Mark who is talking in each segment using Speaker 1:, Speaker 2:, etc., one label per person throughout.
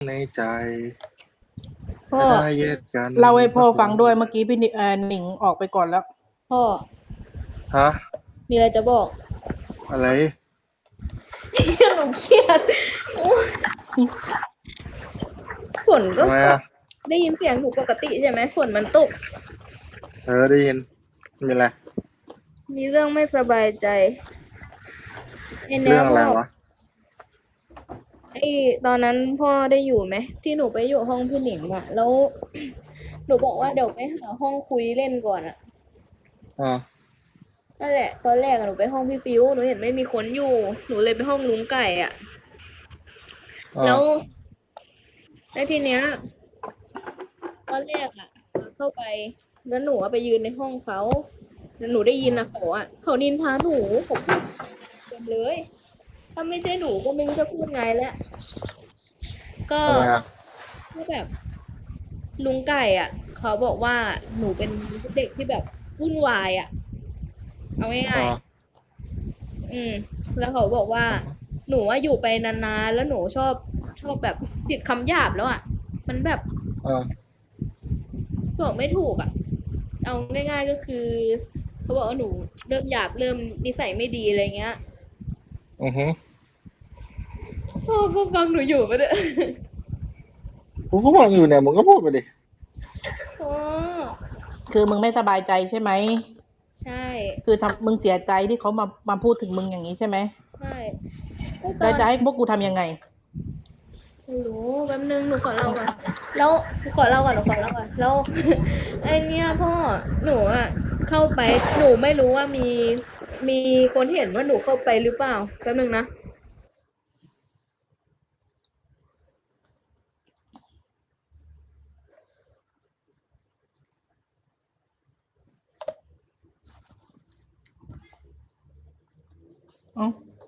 Speaker 1: ในใจ
Speaker 2: พ่อ
Speaker 1: ได้เย็ดกัน
Speaker 2: เล่าให้พ่อ
Speaker 1: สักวัน
Speaker 2: ฟังด้วยเมื่อกี้พี่หนิงออกไปก่อนแล้ว
Speaker 3: พ่อ
Speaker 1: ฮะ
Speaker 3: มีอะไรจะบอก
Speaker 1: อะไร
Speaker 3: หนูเครียดโอ้ยฝนก็ตก
Speaker 1: ทำไมอ่ะ
Speaker 3: ได้ยินเสียงหนูปกติใช่ไหมฝนมันตก
Speaker 1: ได้ยินมีอะไร
Speaker 3: มีเรื่องไม่สบายใจไอ้เนี้
Speaker 1: เรื่
Speaker 3: ยพ่อ
Speaker 1: องอะไรวะ
Speaker 3: ไอ้ตอนนั้นพ่อได้อยู่ไหมที่หนูไปอยู่ห้องพี่หนิงอะแล้วหนูบอกว่าเดี๋ยวไปหาห้องคุยเล่นก่อนอะ
Speaker 1: อ่า
Speaker 3: นั่นแหละตอนแรกอะหนูไปห้องพี่ฟิวหนูเห็นไม่มีคนอยู่หนูเลยไปห้องลุงไก่อะ
Speaker 1: อ่า
Speaker 3: แล้วแล้วทีเนี้ยตอนแรกอะเข้าไปแล้วหนูอะไปยืนในห้องเขาแล้วหนูได้ยินนะเขานินทาหนูผมพูดเต็มเลย ถ้าไม่ใช่หนูก็ไม่รู้จะพูดไงแล้วก็
Speaker 1: ทำไมอ่ะ
Speaker 3: ก็แบบลุงไก่อ่ะเขาบอกว่าหนูเป็นเด็กที่แบบวุ่นวายอ่ะเอาง่าย
Speaker 1: อ่า
Speaker 3: ๆแล้วเขาบอกว่าหนูว่าอยู่ไปนานๆแล้วหนูชอบแบบติดคำหยาบแล้วอ่ะมันแบบ
Speaker 1: อ่า
Speaker 3: บอกไม่ถูกอ่ะเอาง่ายๆก็คือเขาบอกว่าหนูเริ่มหยาบเริ่มนิสัยไม่ดีอะไรเงี้ย
Speaker 1: อือฮึ
Speaker 3: พ่อฟังหนูอยู่ปะเนี่ย
Speaker 1: กูก็ฟังอยู่เนี่ยมึงก็พูดไปดิ
Speaker 3: อ๋อ
Speaker 2: คือมึงไม่สบายใจใช่ไหม
Speaker 3: ใช่
Speaker 2: คือมึงเสียใจที่เขามาพูดถึงมึงอย่างนี้ใช่ไหม
Speaker 3: ใช่ก็ต
Speaker 2: แล้ว
Speaker 3: อน
Speaker 2: จะให้พวกกูทำยังไง
Speaker 3: ไม่รู้แป๊บนึงหนูขอเล่าก่อนแล้วหนูขอเล่าก่อนแล้ว ไอเนี้ยพ่อหนูอ่ะเข้าไปหนูไม่รู้ว่ามีคนเห็นว่าหนูเข้าไปหรือเปล่าแป๊บนึงนะ
Speaker 2: อ๋อ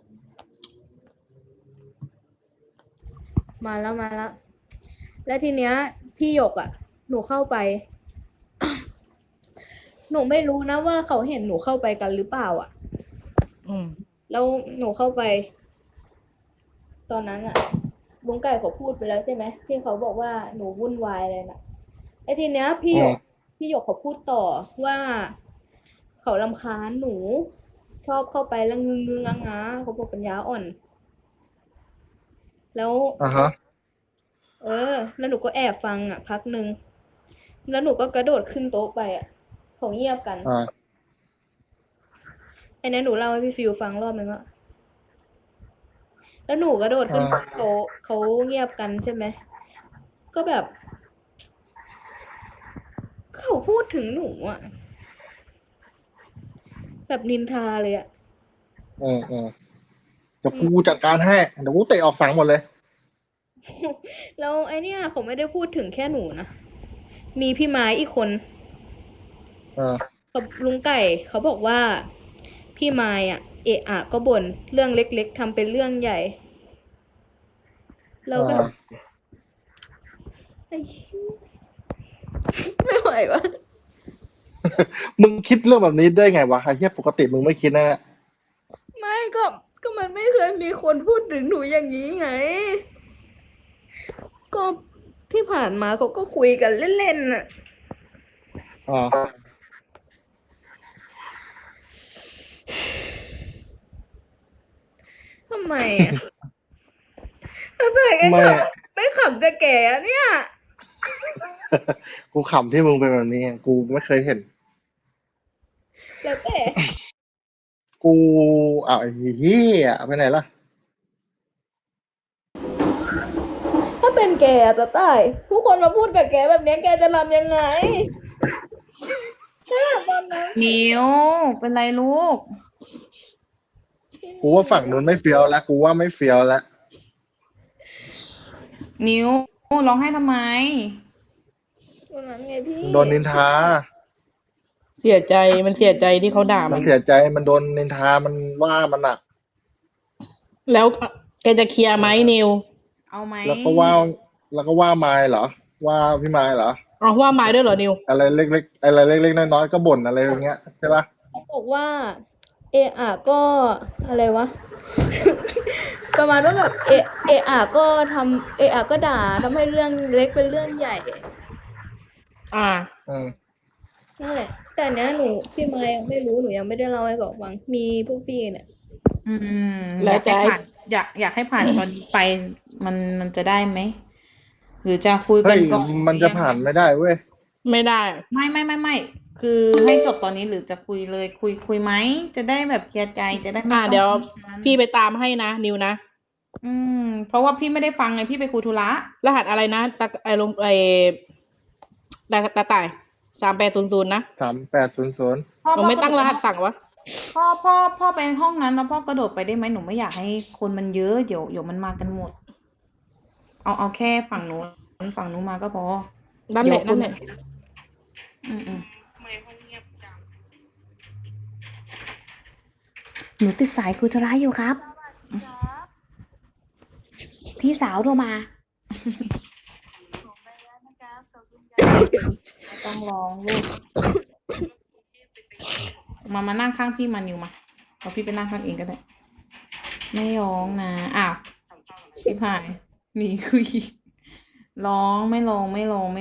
Speaker 3: มาแล้วแล้วทีเนี้ยพี่หยกอ่ะหนูเข้าไปหนูไม่รู้นะว่าเขาเห็นหนูเข้าไปกันหรือเปล่าอ่ะ
Speaker 2: อืม
Speaker 3: แล้วหนูเข้าไปตอนนั้นอ่ะลุงไก่เขาพูดไปแล้วใช่ไหมที่เขาบอกว่าหนูวุ่นวายอะไรน่ะไอ้ทีเนี้ย
Speaker 1: อืม
Speaker 3: พี่หยกเขาพูดต่อว่าเขารำคาญหนูชอบเข้าไปแล้วงึงๆเขาบอกปัญญาอ่อนแล้ว
Speaker 1: อ่าฮะ
Speaker 3: แล้วหนูก็แอบฟังอ่ะพักหนึ่งแล้วหนูก็กระโดดขึ้นโต๊ะไปอ่ะเขาเงียบกัน
Speaker 1: อ่า
Speaker 3: ไอ้นั้นหนูเล่าให้พี่ฟิวฟังรอบนึงอ่ะแล้วหนูกระโดด
Speaker 1: อ่
Speaker 3: ขึ้น
Speaker 1: า
Speaker 3: โต๊ะเขาเงียบกันใช่ไหมก็แบบเขาพูดถึงหนูอ่ะแบบนินทาเลยอ่ะ
Speaker 1: อืมเดี๋ยวกูจัดการให้เดี๋ยวกูเตะออกฝั่งหมดเลย
Speaker 3: แล้วไอเนี้ยเขาไม่ได้พูดถึงแค่หนูนะมีพี่ไม้อีกคน
Speaker 1: อ่า
Speaker 3: กับลุงไก่เขาบอกว่าพี่ไม้อ่ะเอะอะก็บ่นเรื่องเล็กๆทำเป็นเรื่องใหญ่แล้ว
Speaker 1: อ่
Speaker 3: แบบ
Speaker 1: า
Speaker 3: ไอ้ไม่ไหววะ
Speaker 1: มึงคิดเรื่องแบบนี้ได้ไงวะไอ้เหี้ยปกติมึงไม่คิดนะ
Speaker 3: ไม่ก็มันไม่เคยมีคนพูดถึงหนูอย่างนี้ไงก็ที่ผ่านมาเขาก็คุยกันเล่นๆน่ะ
Speaker 1: อ่า
Speaker 3: ทำไมอ่ะทำไมกัน
Speaker 1: ไม่
Speaker 3: ขำไม่ขำกับแกอะเนี่ย
Speaker 1: กูขำที่มึงเป็นแบบนี้ไงกูไม่เคยเห็น
Speaker 3: แล้วแต่
Speaker 1: กูอ้าวไอ้เหี้ยไปไหนล่ะ
Speaker 3: ถ้าเป็นแกอะจะตายทุกคนมาพูดกับแกแบบเนี้ยแกจะทำยังไงถ้าตอนนั้น
Speaker 2: นิวเป็นไรลูก
Speaker 1: กูว่าฝั่งนู้นไม่เฟี้ยวแล้วกูว่าไม่เฟี้ยวแล้ว
Speaker 2: นิวร้องไห้ทำไม
Speaker 3: ตอนนั้นไงพี่
Speaker 1: โดนนินทา
Speaker 2: เสียใจมันเสียใจที่เขาด่ามัน
Speaker 1: มันเสียใจมันโดนนินทามันว่ามันอ่ะ
Speaker 2: แล้วแกจะเคลียร์ไหมนิวเอาไหม
Speaker 1: แล้วก็ว่าแล้วก็ว่าไม้เหรอว่าพี่ไม้เหรอ
Speaker 2: เอาว่าไม้ด้วยเหรอนิว
Speaker 1: อะไรเล็กๆอะไรเล็กๆน้อยๆก็บ่นอะไรอย่างเงี้ยใช่ปะ
Speaker 3: เขาบอกว่าเอะอะก็อะไรวะประมาณว่าแบบเอะก็ทำเอะก็ด่าทำให้เรื่องเล็กเป็นเรื่องใหญ่
Speaker 2: อ่า
Speaker 1: อืม
Speaker 3: นั่นแหละ แต่เนี้ยหนูพี่มายยังไม่รู้หนูยังไม่ได้เล่าให้เขาฟังมีพวกพี่เนี่ย
Speaker 4: อืม
Speaker 2: แล้
Speaker 4: อ
Speaker 2: วย
Speaker 4: ากให้
Speaker 2: จะให้
Speaker 4: ผ่านอยากให้ผ่านตอนนี้ไป มันจะได้ไหม หรือจะคุย
Speaker 1: เฮ้
Speaker 4: กัน
Speaker 1: ย
Speaker 4: ก่อน
Speaker 1: มันจะผ่านไม่ได้เว้ย
Speaker 2: ไม่ได้
Speaker 4: ไม่คือให้จบตอนนี้หรือจะคุยเลยคุยไหมจะได้แบบเคลียร์ใจจะได้ไม่ต้อง
Speaker 2: เดี๋ยว
Speaker 4: นั้น
Speaker 2: พี่ไปตามให้นะ นิวนะ
Speaker 4: เพราะว่าพี่ไม่ได้ฟังไงพี่ไปคุยธุระ
Speaker 2: รหัสอะไรนะตาไอลงไอตาต่าย3800นะ
Speaker 1: 3800
Speaker 4: พ่อ
Speaker 2: หนูไม่ตั้งรหัสสั่งวะ
Speaker 4: พ่อไปห้องนั้นแล้วพ่อกระโดดไปได้ไหมหนูไม่อยากให้คนมันเยอะเดี๋ยวมันมากันหมด เอาแค่ฝั่งนู้นมาก็พอ
Speaker 2: นั่นแหละ
Speaker 4: เดี๋ยว
Speaker 2: นั่นแหละ
Speaker 4: ทำไมห้องเงียบจังหนูติดสายคุยธุระอยู่ครับ พี่สาวโทรมาต้องร้องลูกมานั่งข้างพี่มานิวมาเอาพี่ไปนั่งข้างเองก็ได้ ไม่ร้องนะอ้าวพี่พายหนีคุยร้องไม่ร้องไม่ร้อง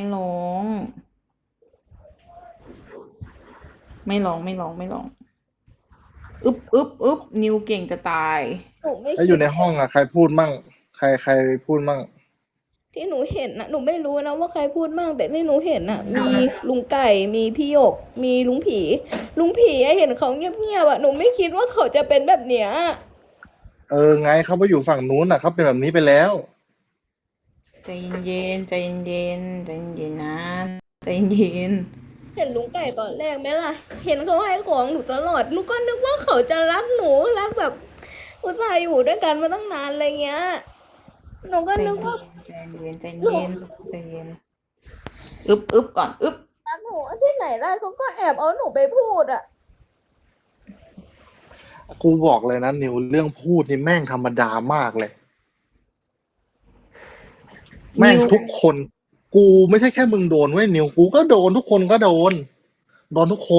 Speaker 4: อึบนิวเก่งจะตาย
Speaker 3: หนูไม่
Speaker 1: แล้วอยู่ในห้องอ่ะ ใครพูดมั่ง ใครพูดมั่ง
Speaker 3: ที่หนูเห็นนะหนูไม่รู้นะว่าใครพูดมั่งแต่ที่หนูเห็นน่ะ มีลุงไก่มีพี่หยก มีลุงผีอะเห็นเขาเงียบๆอะหนูไม่คิดว่าเขาจะเป็นแบบเนี้ย
Speaker 1: ไงเขาไปอยู่ฝั่งนู้นอ่ะเขาเป็นแบบนี้ไปแล้ว
Speaker 4: ใจเย็นนะใจเย็น
Speaker 3: เห็นลุงไก่ตอนแรกไหมล่ะ เห็นเขาให้ของหนูตลอดหนูก็นึกว่าเขาจะรักหนูรักแบบอุตส่าห์อยู่ด้วยกันมาตั้งนานอะไรเงี้ยหนูก็นึกว่า
Speaker 4: ใจเย็นอึบก่อนอึบ
Speaker 3: รักหนูที่ไหนได้เขาก็แอบเอาหนูไปพูดอะ
Speaker 1: กูบอกเลยนะนิวเรื่องพูดนี่แม่งธรรมดามากเลย แม่งทุกคน กูไม่ใช่แค่มึงโดนเว้ยนิวกูก็โดนทุกคนก็โดนทุกคน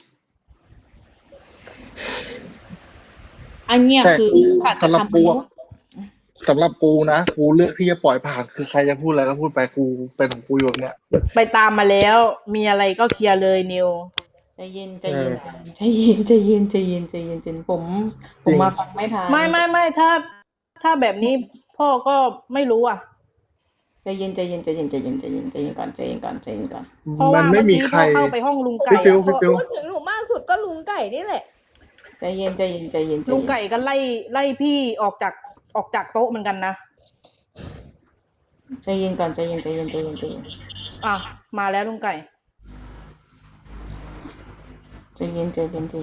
Speaker 4: อันเนี้ย
Speaker 1: แต่
Speaker 4: คือ
Speaker 1: กู
Speaker 4: สัจธร
Speaker 1: สำหรั
Speaker 4: ร
Speaker 1: บ
Speaker 4: ม
Speaker 1: กู
Speaker 4: มนุ
Speaker 1: อะ
Speaker 4: ษย์
Speaker 1: สำหรับกูนะกูเลือกที่จะปล่อยผ่านคือใครจะพูดอะไรก็พูดไปกูเป็นของกูอยู่แบบเนี้ย
Speaker 2: ไปตามมาแล้ว มีอะไรก็เคลียร์เลยนิว
Speaker 4: ใจเย็น
Speaker 1: เออ
Speaker 4: ผมมาฟังไม่ทัน
Speaker 2: ไม่ถ้าแบบนี้พ่อก็ไม่รู้อ่ะ
Speaker 4: ใจเย็นก่อน
Speaker 2: เพราะ
Speaker 1: มั
Speaker 2: ว่าน
Speaker 1: ไม่
Speaker 2: เมื่อ
Speaker 1: มี
Speaker 2: กี้
Speaker 1: ใคร
Speaker 2: พ่อเข้าไปห้องลุงไก่
Speaker 1: พี่ฟิว
Speaker 2: อะ
Speaker 1: พี่ฟิว
Speaker 3: พูดถึงหนูมากสุดก็ลุงไก่นี่แหละ
Speaker 4: ใจเย็น
Speaker 2: ลุงไก่ก็ไล่พี่ออกจากโต๊ะเหมือนกันนะ
Speaker 4: ใจเย็นก่อนใจเย็น
Speaker 2: อ่ะมาแล้วลุงไก่
Speaker 4: ใจเย็น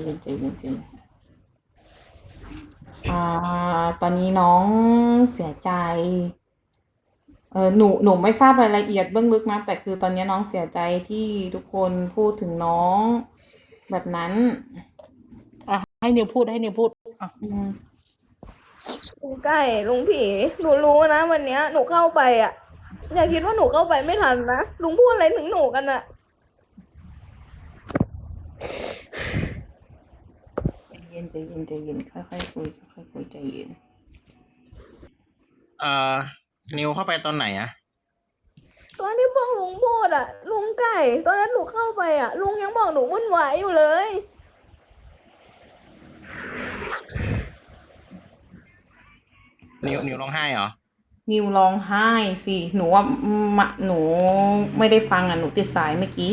Speaker 4: ตอนนี้น้องเสียใจหนูไม่ทราบรายละเอียดเบื้องลึกนะแต่คือตอนนี้น้องเสียใจที่ทุกคนพูดถึงน้องแบบนั้น
Speaker 2: ให้นิวพูดอ่ะ
Speaker 3: ลุงไก่ลุงผีหนูรู้นะวันเนี้ยหนูเข้าไปอ่ะอย่าคิดว่าหนูเข้าไปไม่ทันนะลุงพูดอะไรถึงหนูกันอะ
Speaker 4: ใจเย็นค่อยคุยใจเย็น
Speaker 5: นิวเข้าไปตอนไหนอะ
Speaker 3: ตอนที่พวกลุงพูดอะลุงไก่ ตอนนั้นหนูเข้าไปอะลุงยังบอกหนูวุ่นวายอยู่เลย
Speaker 5: นิวร้องไห้เหรอ
Speaker 4: นิวร้องไห้สิหนูว่าหนูไม่ได้ฟังหนูติดสายเมื่อกี้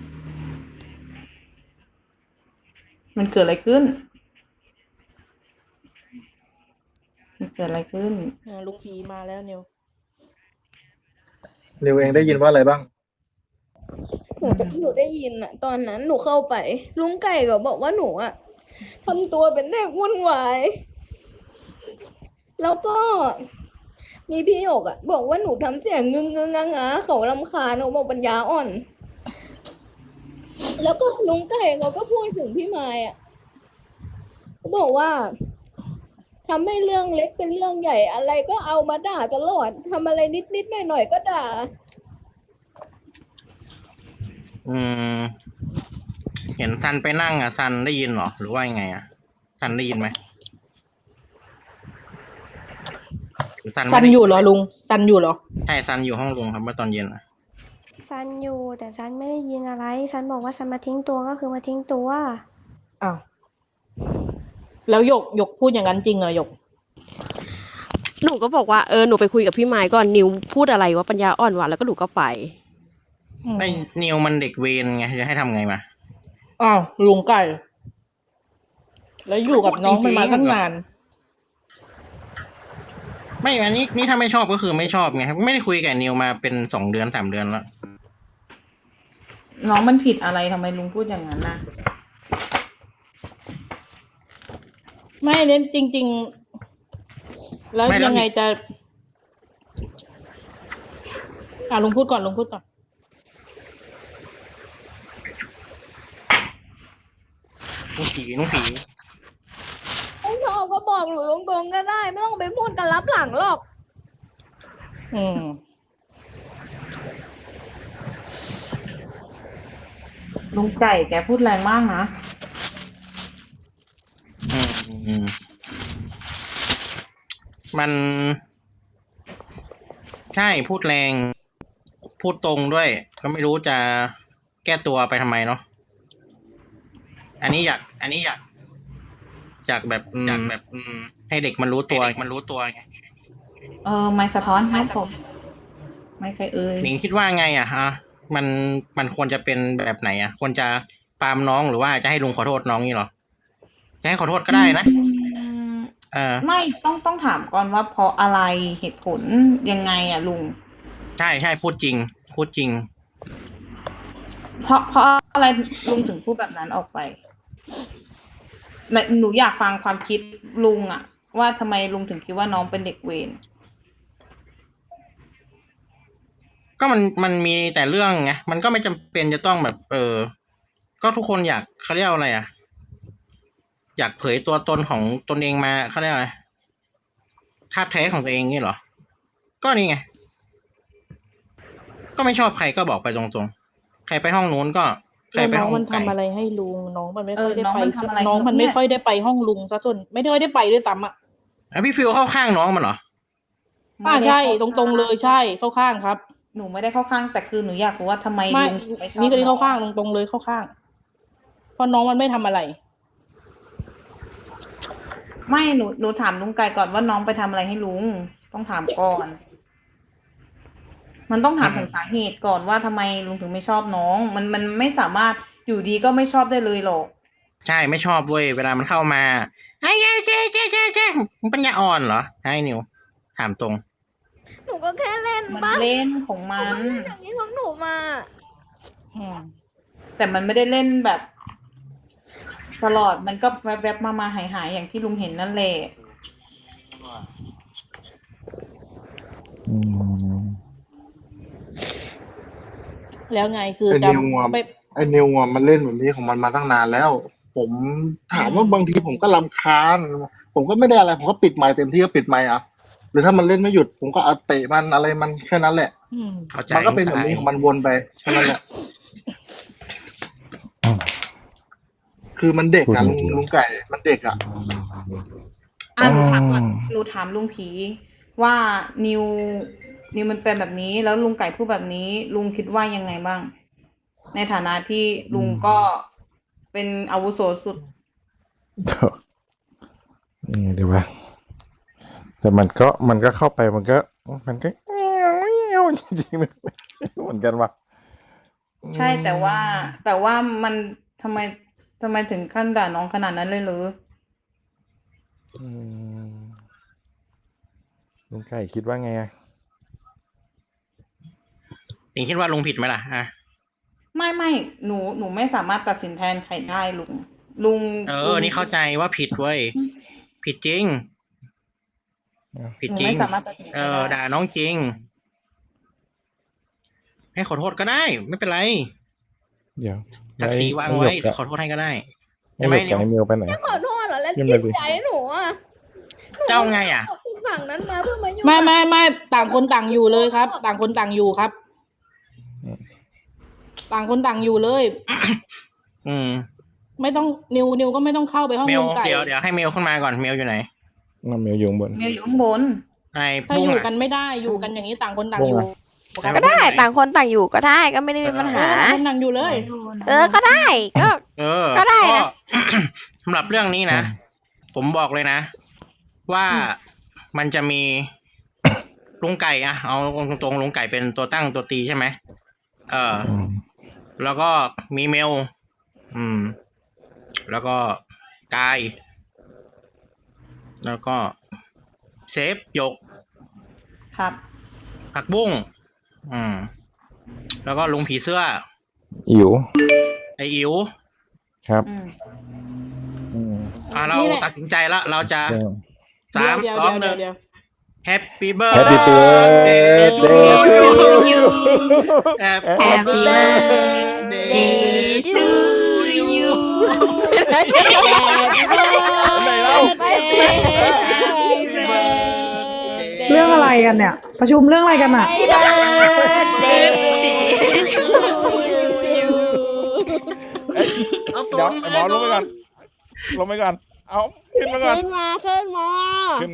Speaker 4: มันเกิดอะไรขึ้น
Speaker 2: ลุงผีมาแล้วนิว
Speaker 1: นิวเองได้ยินว่าอะไรบ้าง
Speaker 3: หนูได้ยินอะตอนนั้นหนูเข้าไป ลุงไก่ก็บอกว่าหนูอะทำตัวเป็นเด็กวุ่นวายแล้วก็มีพี่หยกอะบอกว่าหนูทำเสียงงึงงาเขารำคาญหนูบอกปัญญาอ่อน แล้วก็ลุงไก่เขาก็พูดถึงพี่มายอะเขาบอกว่าทำให้เรื่องเล็กเป็นเรื่องใหญ่อะไรก็เอามาด่าตลอดทำอะไรนิดหน่อยก็ด่า
Speaker 5: เห็นซันไปนั่งอะซันได้ยินเหรอหรือว่ายังไงอะซันได้ยินไหมซัน
Speaker 2: ซัน
Speaker 5: ไม่ได้
Speaker 2: อยู่เหรอลุงซันอยู่เหรอ
Speaker 5: ใช่ซันอยู่ห้องลุงครับเมื่อตอนเย็นอะ
Speaker 6: ซันอยู่แต่ซันไม่ได้ยินอะไรซันบอกว่าซันมาทิ้งตัวก็คือมาทิ้งตัว
Speaker 2: อ้าวแล้วหยกพูดอย่างนั้นจริงเหรอหยก
Speaker 7: หนูก็บอกว่าหนูไปคุยกับพี่ไม้ก่อนนิวพูดอะไรว่าปัญญาอ่อนหวานแล้วก็หนูก็ไป
Speaker 5: ไอ้นิวมันเด็กเวรไงจะให้ทำไงมา
Speaker 2: อ้าวลุงไก่ แล้วอยู่กับน้องมันมาตั้งนาน
Speaker 5: ไม่อันนี้นี่ถ้าไม่ชอบก็คือไม่ชอบไงไม่ได้คุยกับนิวมาเป็น2 เดือน 3 เดือนแล้ว
Speaker 4: น้องมันผิดอะไรทำไมลุงพูดอย่างนั้นนะ
Speaker 2: ไม่เน้นจริง ๆ แล้วยังไงจะลุงพูดก่อน
Speaker 5: ลุงผี
Speaker 3: ไม่ชอบก็บอกหนูตรงๆก็ได้ ไม่ต้องไปพูดกันลับหลังหรอก
Speaker 2: อืม
Speaker 4: ลุงไก่แกพูดแรงมากนะ
Speaker 5: อืมมัน ใช่พูดแรง พูดตรงด้วย ก็ไม่รู้จะแก้ตัวไปทำไมเนาะอันนี้อยากแบบให้เด็กมันรู้ตัวไง
Speaker 4: ไม่สะท้อนครับผม ไม่ใคร
Speaker 5: หนิงคิดว่าไงอะฮะมันควรจะเป็นแบบไหนอะควรจะปรามน้องหรือว่าจะให้ลุงขอโทษน้องนี่หรอจะให้ขอโทษก็ได้นะ
Speaker 4: ไม่ต้องถามก่อนว่าเพราะอะไรเหตุผลยังไงอะลุง
Speaker 5: ใช่พูดจริง
Speaker 4: เพราะอะไรลุงถึงพูดแบบนั้นออกไปหนูอยากฟังความคิดลุงอะว่าทำไมลุงถึงคิดว่าน้องเป็นเด็กเวร
Speaker 5: ก็มันมีแต่เรื่องไงมันก็ไม่จำเป็นจะต้องแบบก็ทุกคนอยากเขาเรียกอะไรอะอยากเผยตัวตนของตนเองมาเขาเรียกอะไรธาตุแท้ของตัวเองนี่เหรอก็นี่ไงก็ไม่ชอบใครก็บอกไปตรงๆใครไปห้องนู้นก็ใครไป
Speaker 2: น้อ
Speaker 5: ห้
Speaker 2: ง
Speaker 5: อง
Speaker 2: มันทำ
Speaker 5: ไก่
Speaker 2: อะไรให้ลุงน้องมันไม่ค่อยได้ไป
Speaker 4: น้องมันทำอะไร
Speaker 2: น้องมันไม่ค่อยได้ไปห้องลุงซะจนไม่ได้ไปด้วยซ้ำอ่ะ
Speaker 5: พี่ฟิวเข้าข้างน้องมันเหรอ
Speaker 2: ใช่ตรงๆเลยใช่เข้าข้างครับ
Speaker 4: หนูไม่ได้เข้าข้างแต่คือหนูอยากรู้ว่าทำไม
Speaker 2: ไม่
Speaker 4: ลุงถึงไม่ชอบ
Speaker 2: นี่ก็นี่เข้าข้าง
Speaker 4: น้อง
Speaker 2: ตรงๆเลยเข้าข้าง เพราะน้องมันไม่ทำอะไร
Speaker 4: ไม่หนูถามลุงไก่ก่อนว่าน้องไปทำอะไรให้ลุงต้องถามก่อน มันต้องถามถึงสาเหตุก่อนว่าทำไมลุงถึงไม่ชอบน้อง มันไม่สามารถอยู่ดีก็ไม่ชอบได้เลยหรอก
Speaker 5: ใช่ไม่ชอบเว้ยเวลามันเข้ามาไอ้แกมันปัญญาอ่อนเหรอให้นิวถามตรง
Speaker 3: หนูก็แค่เล่น
Speaker 4: มัน
Speaker 3: ปะ
Speaker 4: เล่นของ
Speaker 3: หนู
Speaker 4: มั
Speaker 3: ก็
Speaker 4: น
Speaker 3: เล่นอย่างนี้ของหนูมา
Speaker 2: อืม
Speaker 4: แต่มันไม่ได้เล่นแบบ ตลอดมันก็แวบๆมาหายอย่างที่ลุงเห็นนั่นแหละ
Speaker 2: แล้วไงคือ
Speaker 1: ไอ้
Speaker 2: จะ
Speaker 1: นิวอะ
Speaker 2: ไม่
Speaker 1: ไอ้นิวอะมันเล่นแบบนี้ของมันมาตั้งนานแล้ว ผมถามว่าบางทีผมก็รำคาญ ผมก็ไม่ได้อะไร ผมก็ปิดไมค์เต็มที่ก็ปิดไมค์อ่ะหรือถ้ามันเล่นไม่หยุด ผมก็เอาเตะมันอะไรมันแค่นั้นแหละ
Speaker 2: อืม
Speaker 5: เข้าใจ
Speaker 1: มันก็เป็นแบบนี้ของมันวนไปแค่นั้นแหละ คือมันเด็กอะลุงไก่มันเด็กอะ
Speaker 4: หนูถามก่อนหนูถามลุงผีว่านิวมันเป็นแบบนี้ แล้วลุงไก่พูดแบบนี้ ลุงคิดว่ายังไงบ้าง ในฐานะที่ลุงก็เป็นอาวุโสสุด
Speaker 8: เดี๋ยวว่าแต่มันก็เข้าไปมันก็เงี้ยวจริงๆเหมือนกันว่ะ
Speaker 4: ใช่แต่ว่ามันทำไมถึงขั้นด่าน้องขนาดนั้นเลยหรือ
Speaker 8: ลุงไก่คิดว่าไงอะ
Speaker 5: หนิงคิดว่าลุงผิดไหมล่ะ
Speaker 4: ไม่หนูไม่สามารถตัดสินแทนใครได้ลุง
Speaker 5: นี่เข้าใจว่าผิดเว้ยผิดจริง ผิด
Speaker 4: หนู
Speaker 5: จริง
Speaker 4: ไม่สามารถตัดสินใครได้
Speaker 5: ด่าน้องจริง ให้ขอโทษก็ได้ ไม่เป็นไร
Speaker 8: เดี๋ยว
Speaker 5: ศักดิ์ศรีวางไว้เดี๋ยวขอโทษให้ก็ได้
Speaker 8: ไม่
Speaker 5: ใช่ไหม
Speaker 8: หยุด
Speaker 5: นิว
Speaker 8: กับไอ้มิวไปไหน
Speaker 3: ขอโทษเหรอแล้ว
Speaker 8: ยัง
Speaker 3: จิ
Speaker 8: ไง
Speaker 3: ต
Speaker 8: ดี
Speaker 3: ใจหนูอ่ะ
Speaker 5: เจ้าไงอ่ะ
Speaker 3: หนูฝั่งนั้นมาเพื่อมายุ่ง
Speaker 2: ไม่ต่างคนต่างอยู่เลยครับ ต่างคนต่างอยู่ครับ ต่างคนต่างอยู่เลย ไม่ต้องนิวก็ไม่ต้องเข้าไปห้อง
Speaker 5: เมล
Speaker 2: ลุงไก่
Speaker 5: เดี๋ยวให้เมลขึ้นมาก่อนเมลอยู่ไหน
Speaker 8: น้ำมิวอยู่ข้างบน
Speaker 4: เมลอยู่ข้างบน
Speaker 5: ไอ้
Speaker 2: ถ้า
Speaker 5: บุ้
Speaker 2: อง ยู่
Speaker 5: อะ
Speaker 2: กันไม่ได้อยู่กันอย่างนี้ต่างคนต่างอยู่
Speaker 5: ใคร
Speaker 6: ก็
Speaker 5: ว่า
Speaker 6: ได้
Speaker 5: บุ้งหน
Speaker 6: ต่างคนต่างอยู่ก็ได้ก็ไม่ได้มีปัญหา
Speaker 2: ต่างคนต่างอยู่เลย
Speaker 6: ก็ได้ก็ ก็ได้นะ
Speaker 5: สำหรับเรื่องนี้นะ ผมบอกเลยนะ ว่ามันจะมีลุงไก่อะเอาตรงๆลุงไก่เป็นตัวตั้งตัวตีใช่ไหมแล้วก็มีเมล แล้วก็กาย แล้วก็เซฟหยก
Speaker 4: ครับ
Speaker 5: ผักบุ้งแล้วก็ลุงผีเสื้อ
Speaker 8: อิ๋ว
Speaker 5: ไออิ๋ว
Speaker 8: ครับ
Speaker 5: เรา
Speaker 2: นี่แหละ
Speaker 5: ตัดสินใจแล้ว เราจะ
Speaker 2: เดี๋ยว
Speaker 5: 3
Speaker 2: เดี๋ยว
Speaker 5: 2
Speaker 2: เดี๋ยวเดี๋ยว
Speaker 5: 1 Happy
Speaker 8: Happy
Speaker 5: birthday
Speaker 8: birthday
Speaker 5: to you Happy birthday to you
Speaker 9: เรื่องอะไรกันเนี่ย ประชุมเรื่องอะไรกันอ่ะ
Speaker 5: เอา
Speaker 8: เดี๋ยวไอ้หมอลงไปก่อน ลงไปก่อน เอาขึ้นมาก่อน
Speaker 7: ขึ้นมา
Speaker 8: ขึ้นมา ขึ้น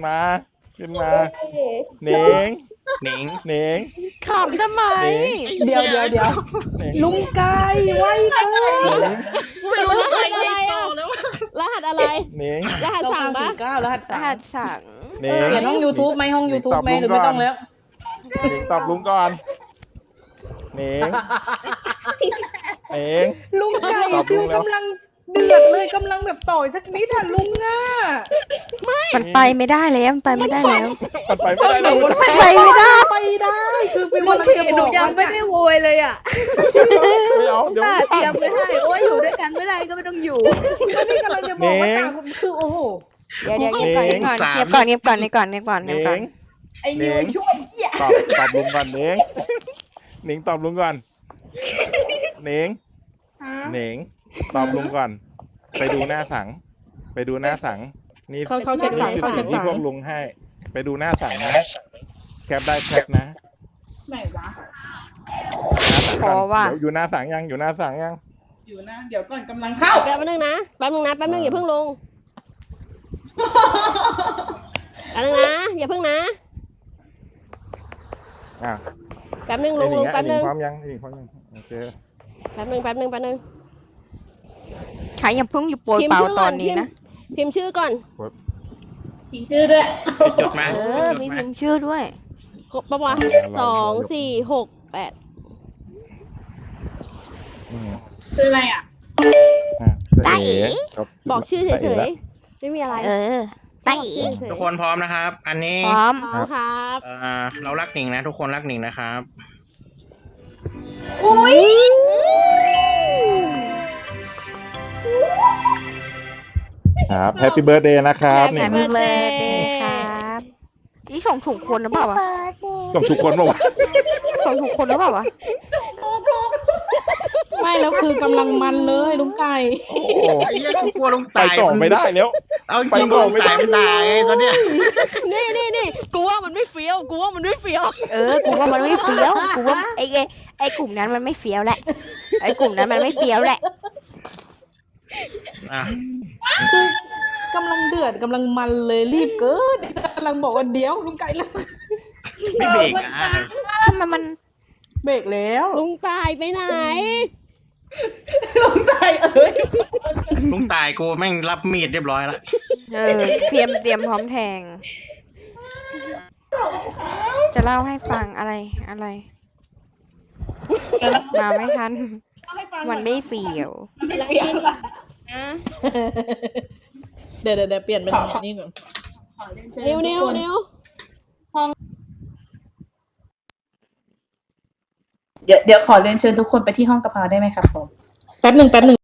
Speaker 8: เหน่ง
Speaker 5: หนิง
Speaker 8: เหน่ง
Speaker 6: ขำทำไม
Speaker 9: เดี๋ยวลุงไก่ไว้เถอะ
Speaker 7: รหัสอะไรอ่ะ รหัสอะไร
Speaker 8: เหน่ง
Speaker 7: รหัสสั่งปะ
Speaker 2: 9รหัส
Speaker 6: รหัสสั่ง
Speaker 8: เหน่ง
Speaker 2: เขียนห้อง YouTube ไหมห้อง YouTube ไหมหรือไม่ต้องแล้ว
Speaker 8: เหน่งตอบลุงก่อนเหน่งเหน่ง
Speaker 9: ลุงไก่
Speaker 8: ตอบลุ
Speaker 9: ฟิว
Speaker 8: งแล้ว
Speaker 9: กำลังเดือดเลยกำลังแบบต่อยสักนิดอ่ะลุงอ่ะ
Speaker 6: มันไปไม่ได้แล้วมันไปไม่ได้แล้ว
Speaker 8: มันไปไม่ได้เลย
Speaker 6: ไปไม่ได้
Speaker 9: ไปได้คือฟิว
Speaker 3: ลุง
Speaker 9: กำลัง
Speaker 3: ผี
Speaker 9: จะ
Speaker 3: ห
Speaker 9: บ
Speaker 3: นู
Speaker 9: อก
Speaker 3: ยัง
Speaker 9: ว่า
Speaker 3: ไม่ได้โวยเลยอ่ะ
Speaker 8: ไม่เอาเดี๋ยว
Speaker 3: ป้าเตรียมไว้ให้โอ้ยอยู่ด้วยกันไม่ได้ก็ไม่ต้องอยู่
Speaker 9: ก็นี่กำลังจะบอกว่าต่างคือโอ้โห
Speaker 6: เดี๋ยวเงียบก่อนเงียบก่อนเงียบก่อนเงียบก่อนเงียบก่อนเงียบก่อน
Speaker 8: เห
Speaker 6: เงียบ
Speaker 8: น่
Speaker 6: ก่อน
Speaker 8: ง
Speaker 9: ไอ้นิวช่วยเหี้ย
Speaker 8: ตอบลุงก่อนเหน่งเหน่งตอบลุงก่อนเหน่งเหน่งตอบลุงก่อน ไปดูหน้าสัง นี่
Speaker 2: เข้าเช็คสั่งเข้าเช็ค
Speaker 8: นี่
Speaker 2: สั่ง
Speaker 8: พวกลุงให้ ไปดูหน้าสังนะ แคปได้แคปนะ
Speaker 9: ไหนวะ
Speaker 6: ขอว่า
Speaker 8: เดี๋ยวอยู่หน้าสังยัง อยู่หน้าสังยัง
Speaker 9: อยู่นะเดี๋ยวก่อนกำลังเข้า
Speaker 7: แป๊บนึงนะอย่าเพิ่งลงแป๊บนึงนะอย่าเพิ่งนะ
Speaker 8: อ่ะ
Speaker 7: แป๊บนึงลุงแป๊บนึง
Speaker 8: พร้อมยังพร้อมยังโอเค
Speaker 7: แป๊บนึง
Speaker 6: ใครยังเพิ่งอยู่โปรยเปล่าตอนนี้นะ
Speaker 7: พิมพ์ชื่อก่อน
Speaker 9: พิมพ์ชื่อด้วย
Speaker 5: จดมา
Speaker 6: มีพิมพ์ชื่อด้วย
Speaker 7: ครบปะวะ2 4 6 8
Speaker 9: คืออะไรอ่ะ
Speaker 6: ได้
Speaker 7: บอกชื่อเฉยๆไม่มีอะไร
Speaker 6: ไต่
Speaker 5: ทุกคนพร้อมนะครับ อันนี้
Speaker 6: พร้อม
Speaker 7: ครับ
Speaker 5: เรารักหนิงนะ ทุกคนรักหนิงนะครับ
Speaker 8: ครับแฮปปี้เบิร์ดเดย์นะครับ
Speaker 7: Happy
Speaker 8: นี่
Speaker 6: Happy birthday ครับนี่ส่งถูกคนหรือเปล่าวะ
Speaker 8: ส่งทุกคนบอกว่า
Speaker 6: ส่งถูกคนหรือเปล่าวะ
Speaker 2: ไม่แล้วคือกำลังมันเลยลุงไก่
Speaker 8: โอ้โห
Speaker 5: ไอ้เหี้ยกูกลัวลุง
Speaker 8: ไป
Speaker 5: ตาย
Speaker 8: ต่อไม่ได้แล้ว
Speaker 5: เอาจริงๆลุงตายมันตายตอนเนี้ย
Speaker 7: นี่กูว่ามันไม่เฟี้ยว
Speaker 6: กูว่ามันไม่เฟี้ยวกูว่าไอ้กลุ่มนั้นมันไม่เฟี้ยวแหละ
Speaker 5: อ่ะ
Speaker 2: กำลังเดือดกำลังมันเลยรีบเกินกำลังบอกว่าเดี๋ยวลุงไก่แล้ว
Speaker 5: ไม่เบรกอ่ะ
Speaker 6: ทำไมมัน
Speaker 2: เบรกแล้ว
Speaker 7: ลุงตายไปไหน
Speaker 5: ลุงตายกูแม่งรับมีดเรียบร้อยแล้ว
Speaker 6: เตรียมพร้อมแทง จะเล่าให้ฟังอะไร มาไม่ทัน มันไม่เฟี้ยว
Speaker 2: เดี๋ยวเปลี่ยนเป็นนี่ก่อน
Speaker 7: นิ้ว
Speaker 9: เดี๋ยวขอเรียนเชิญทุกคนไปที่ห้องกะเพราได้ไหมครับผม
Speaker 2: แป๊บหนึ่ง